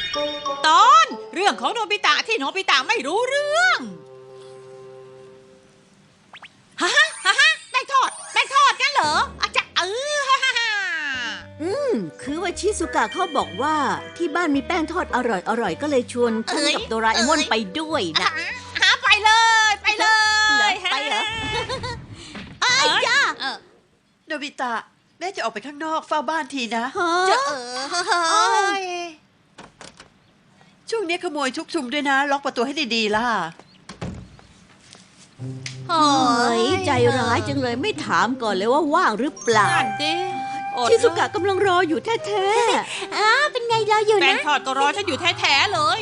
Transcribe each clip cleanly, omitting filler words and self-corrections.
ตอนเรื่องของโนบิตะที่โนบิตะไม่รู้เรื่องฮะแป้งทอดงั้นเหรออาจจะคือว่าชิซุกะเขาบอกว่าที่บ้านมีแป้งทอดอร่อยก็เลยชวนฉันกับโดราเอมอนไปด้วยนะไปเลยไปเหรอจ้าโนบิตะแม่จะออกไปข้างนอกเฝ้าบ้านทีนะจะช่วงนี้ขโมยชุกชุมด้วยนะ ล็อกประตูให้ดีๆล่ะเฮ้ยใจร้ายจังเลยไม่ถามก่อนเลยว่าว่างหรือเปล่านั่นดิชิซุกะกำลังรออยู่แท้เป็นไงรออยู่แป้งนะทอดก็รอฉันอยู่แท้ๆเลย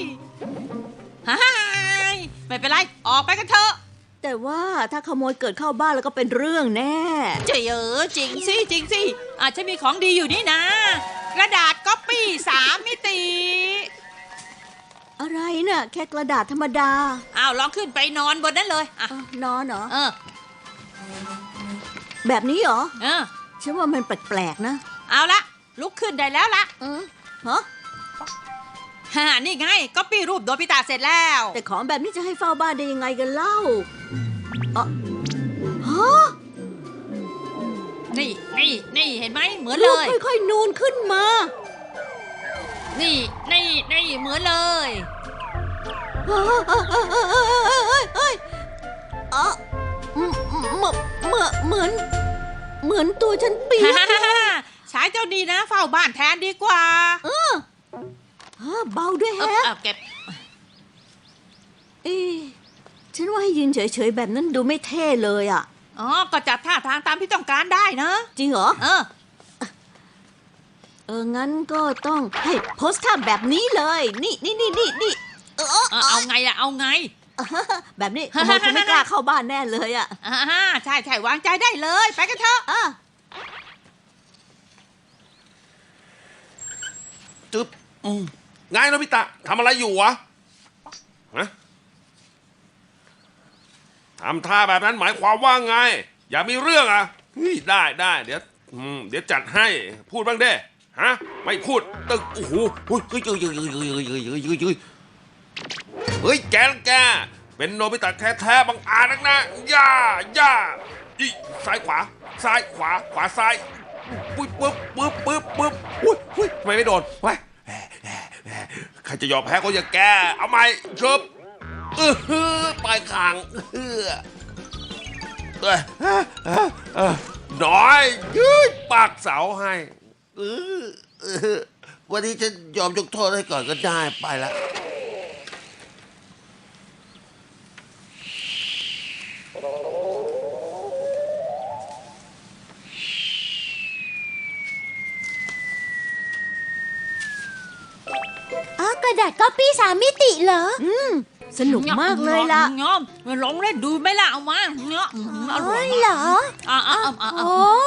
ไม่เป็นไรออกไปกันเถอะๆแต่ว่าถ้าขโมยเกิดเข้าบ้านแล้วก็เป็นเรื่องแน่จริงสิอาจจะมีของดีอยู่นี่นะ กระดาษก๊อปปี้3 มิติอะไรน่ะแค่กระดาษธรรมดาลองขึ้นไปนอนบนนั้นเลยนอนเหรอเออแบบนี้เหรอเออฉันว่ามันแปลกๆนะเอาละลุกขึ้นได้แล้วละฮะนี่ไงก๊อปปี้รูปโดบิตะเสร็จแล้วแต่ของแบบนี้จะให้เฝ้าบ้านได้ยังไงกันเล่าฮะนี่เห็นไหมเหมือนรูเลปยค่อยๆนูนขึ้นมานี่เหมือนเลยเอ้ยเหมือนตัวฉันเปียกใช้เจ้าดีนะเฝ้าบ้านแทนดีกว่าเบาด้วยแฮะเก็บฉันว่าให้ยืนเฉยๆแบบนั้นดูไม่เท่เลยอ่ะก็จัดท่าทางตามที่ต้องการได้นะจริงเหรอ งั้นก็ต้องให้โพสท่าแบบนี้เลย นี่เอาไงล่ะเอาไงแบบนี้ขโมยคงไม่กล้าเข้าบ้านแน่เลยอ่ะใช่วางใจได้เลยไปกันเถอะจึ๊บไงโนบิตะทำอะไรอยู่วะฮะทำท่าแบบนั้นหมายความว่าไง อย่ามีเรื่องอ่ะได้เดี๋ยวจัดให้พูดบ้างเด้ฮะไม่พูดตึกโอ้โหเฮ้ยแกเป็นโนบิตะแท้ๆบังอาจนักนะย่าซ้ายขวาขวาซ้ายปึ๊บอุ้ยทำไมไม่โดนวะใครจะยอมแพ้ก็อย่าแกเอาใหม่ชบปลายคางน้อยยืดปากเสาให้วันนี้ฉันยอมยกโทษให้ก่อนก็ได้ไปละกระดาษก๊อปปี้3 มิติเหรอสนุกมากเลยล่ะลองเล่นดูไหมล่ะเอามาอร่อยเหรอโอ้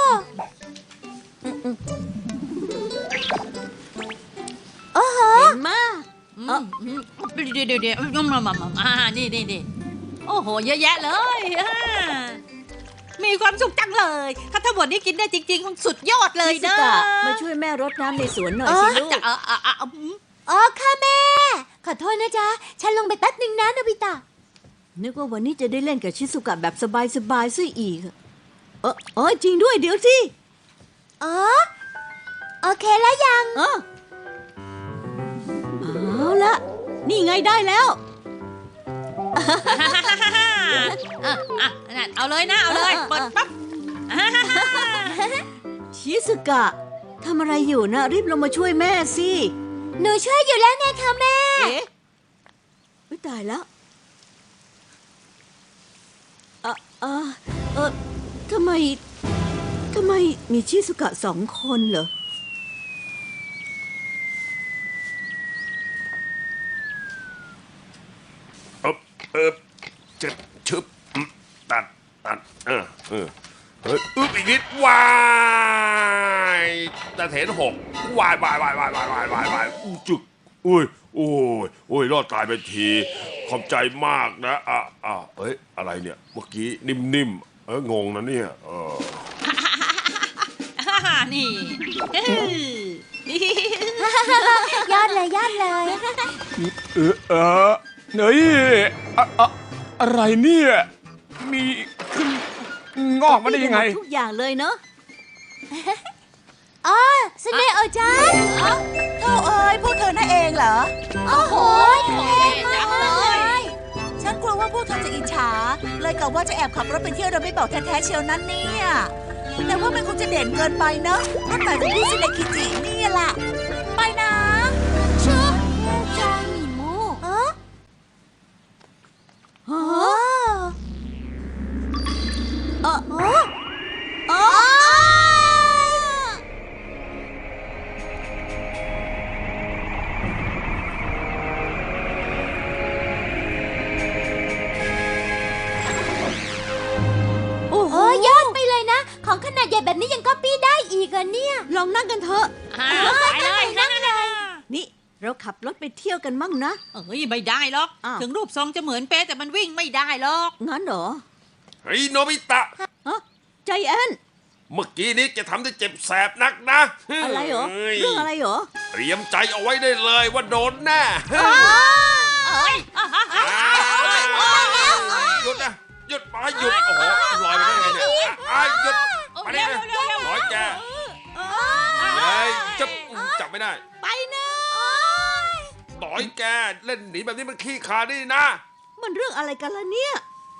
โอ้โหเห็นมากเดี๋ยวนี่โอ้โหเยอะแยะเลยมีความสุขจังเลยถ้าทั้งหมดนี้กินได้จริงๆคงสุดยอดเลยชิซุนะกะมาช่วยแม่รดน้ำในสวนหน่อยสิลูกค่ะแม่ ขอโทษนะจ๊ะ ฉันลงไปแป๊บนึงนะโนบิตะนึกว่าวันนี้จะได้เล่นกับชิซุกะแบบสบายๆซะอีกจริงด้วยเดี๋ยวสิโอเคแล้วยังเอาละนี่ไงได้แล้วเอาเลยนะเอาเลยเปิดปั๊บชิซุกะทำอะไรอยู่นะรีบลงมาช่วยแม่สิหนูช่วยอยู่แล้วไงคะแม่อุ๊ยตายแล้วทำไมมีชิซุกะ2 คนเหรอจะชึบตัดอีกนิดวายตะเถน6วายจึกโอ้ยรอดตายไปทีขอบใจมากนะอะไรเนี่ยเมื่อกี้นิ่มงงนะเนี่ยนี่ยอดเลยเฮ้ยอะไรเนี่ย มีขึ้นงอกมาได้ยังไงทุกอย่างเลยเนอะอ๋อสเนโอจังโอ้เอ้ยพวกเธอนั่นเองเหรอโอ้โหเท่มากเลยฉันกลัวว่าพวกเธอจะอิจฉา เลยกะว่าจะแอบขับรถไปเที่ยวโดยไม่บอกแท้ๆเชียวนั้นเนี่ยแต่ว่ามันคงจะเด่นเกินไปเนอะรถใหม่ของพี่ซิเนคิจินี่แหละไปนะชื่อจังหมีมูเออฮะโอ้โอ้โอ้โหโอ้ยอดไปเลยนะ ของขนาดใหญ่แบบนี้ยังก๊อปปี้ได้อีกเหรอเนี่ยลองนั่งกันเถอะไปเลยนั่นเลยนี่เราขับรถไปเที่ยวกันมั่งนะเอ้ยไม่ได้หรอกอ้าวถึงรูปทรงจะเหมือนเป๊ะแต่มันวิ่งไม่ได้หรอกงั้นเหรอเฮ้ยโนบิตะฮะใจแอนเมื่อกี้นี้แกทำได้เจ็บแสบนักนะอะไรเหรอฮ้ยเรื่องอะไรเหรอเตรียมใจเอาไว้ได้เลยว่าโดนแน่เอ้ยหยุดนะหยุดไปหยุดโอ้โหลอยไปได้ไงเนี่ยหยุดไปได้ไงลอยแกเฮ้ยจับไม่ได้ไปนะต่อยแกเล่นหนีแบบนี้มันขี้ขาดนี่นะมันเรื่องอะไรกันล่ะเนี่ย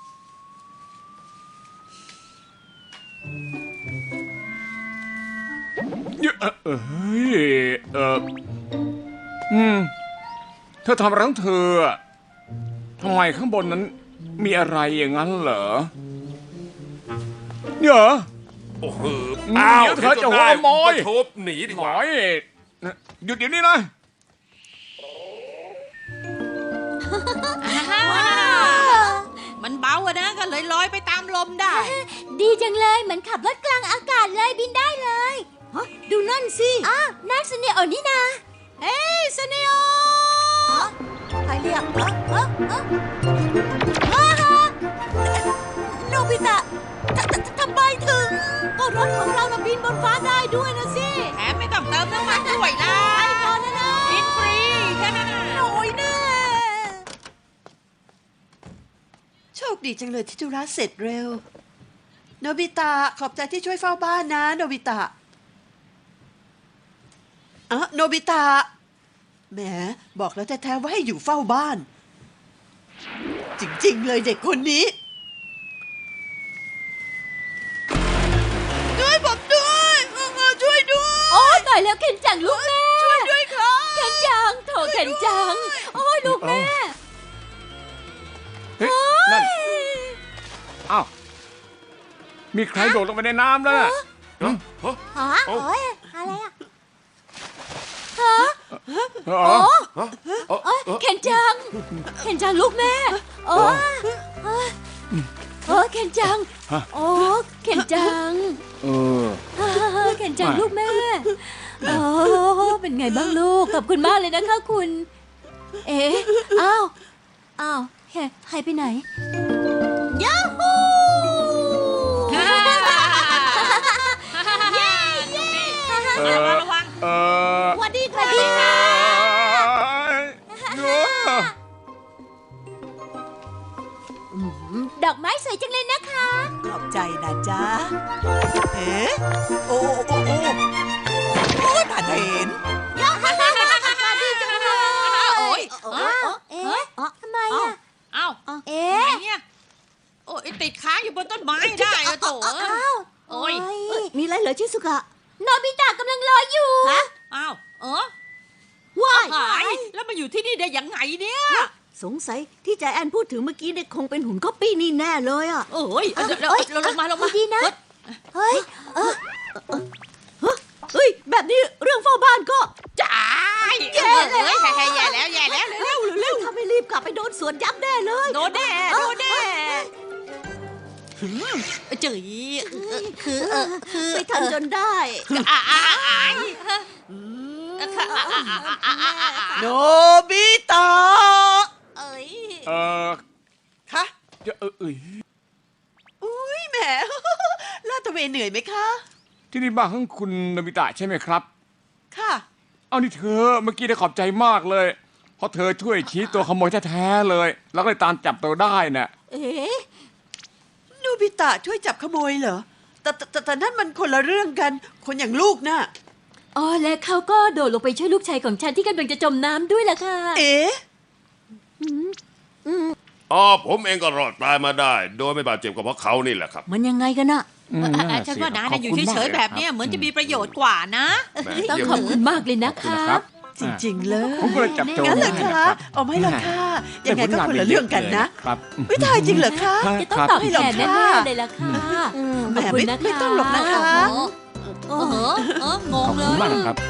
เธอทำอะไรของเธออะทำไมข้างบนนั้นมีอะไรอย่างนั้นเหรอเนี่ยเหรอโอ้โหเดี๋ยวเธอจะหัวขโมยก็ทุบหนีดีหกน่ว่าอยหยุดเดี๋ยวนี้นะมันเบาอะนะก็เลยลอยไปตามลมได้ดีจังเลย เหมือนขับรถกลางอากาศเลยบินได้เลยฮะ ดูนั่นสิอ้าวนั่นสเนโอนี่นาเอ้ยสเนโอใครเรียกโนบิตะทำไมถึงก็รถของเราน่ะบินบนฟ้าได้ด้วยนะสิแถมไม่ต้องเติมน้ำมันด้วยล่ะไปก่อนนะนะกินฟรีแค่นั้นน่ะโอ้ยแน่โชคดีจังเลยที่ธุระเสร็จเร็ว โนบิตะขอบใจที่ช่วยเฝ้าบ้านนะ โนบิตะโนบิตะแหมบอกแล้วแท้ๆว่าให้อยู่เฝ้าบ้าน จริงๆเลยเด็กคนนี้ช่วยผมด้วยช่วยด้วยโอ้ยตายแล้วเข็นจังลูกแม่ช่วยด้วยครับเข็นจังโถเข็นจัง โอ้ยลูกแม่เฮ้ยนั่นอ้าวมีใครโดดลงไปในน้ำแล้วน่ะฮะฮะโอ้ยอะไรอ่ะอ๋อโอ้ยเข็นจัง เข็นจังลูกแม่ โอ้ยโอ้ยเข็นจัง โอ้เข็นจังเออเข็นจังลูกแม่ โอ้เป็นไงบ้างลูก ขอบคุณมากเลยนะคะคุณ เอ๊ะอ้าวหายไปไหนเย้ระวังสวัสดีสวัสดีค่ะ ดอกไม้สวยจังเลยนะคะขอบใจนะจ๊ะเอ๊ะโอ้ผ่านเห็นโอ้ยเอ๊ะทำไมอ่ะเอ้าเอ๊ไหนะเนี่ยโอ้ยติดค้างอยู่บนต้นไม้ได้อะโถอ้าวโอ้ยมีอะไรเหรอชิสุกะโนบิตะกำลังรออยู่อ้าวว้ายหายแล้วมาอยู่ที่นี่ได้ยังไงเนี่ยสงสัยที่ใจแอนพูดถึงเมื่อกี้เนี่ยคงเป็นหุ่นก๊อปปี้นี่แน่เลยอ่ะโอ้ยเราลงมาดีนะ เฮ้ยเฮ้ย แบบนี้เรื่องเฝ้าบ้านก็จ่ายแย่แล้วเร็วเร็วถ้าไม่รีบกลับไปโดนสวนยักษ์แน่เลยโดนแน่จื๋ยคือไปทันจนได้โนบิตะเอ้ยคะ อุ้ยแหม ลาดตระเวนเหนื่อยไหมคะที่นี่บ้านของคุณโนบิตะใช่ไหมครับค่ะเอานี่เธอเมื่อกี้ได้ขอบใจมากเลยเพราะเธอช่วยชี้ตัวขโมยแท้ๆเลย แล้วก็เลยตามจับตัวได้น่ะเอ๊ะโนบิตะช่วยจับขโมยเหรอแต่นั่นมันคนละเรื่องกัน คนอย่างลูกน่ะอ๋อและเขาก็โดดลงไปช่วยลูกชายของฉันที่กำลังจะจมน้ำด้วยล่ะค่ะเอ๊ะผมเองก็รอดตายมาได้ โดยไม่บาดเจ็บกับเพราะเขานี่แหละครับมันยังไงกันน่ะฉันว่านาอยู่เฉยๆแบบเนี้ยเหมือนจะมีประโยชน์กว่านะแหมต้องเยี่ยมขอบคุณมากเลยนะขอบคุณคะนะครับจริงๆเลยผมก็เลยจับโจรงั้นเหรอได้คะนะครับเอาไม่หรอกค่ะ ยังไงก็คนละเรื่องกันนะครับอืมไม่ทายจริงเหรอคะจะต้องตอบแทนแน่ๆเลยล่ะค่ะแหมขอบคุณนะคะไม่ต้องหรอกนะคะโอ้โหงขอบเลคุณยมากนะครับ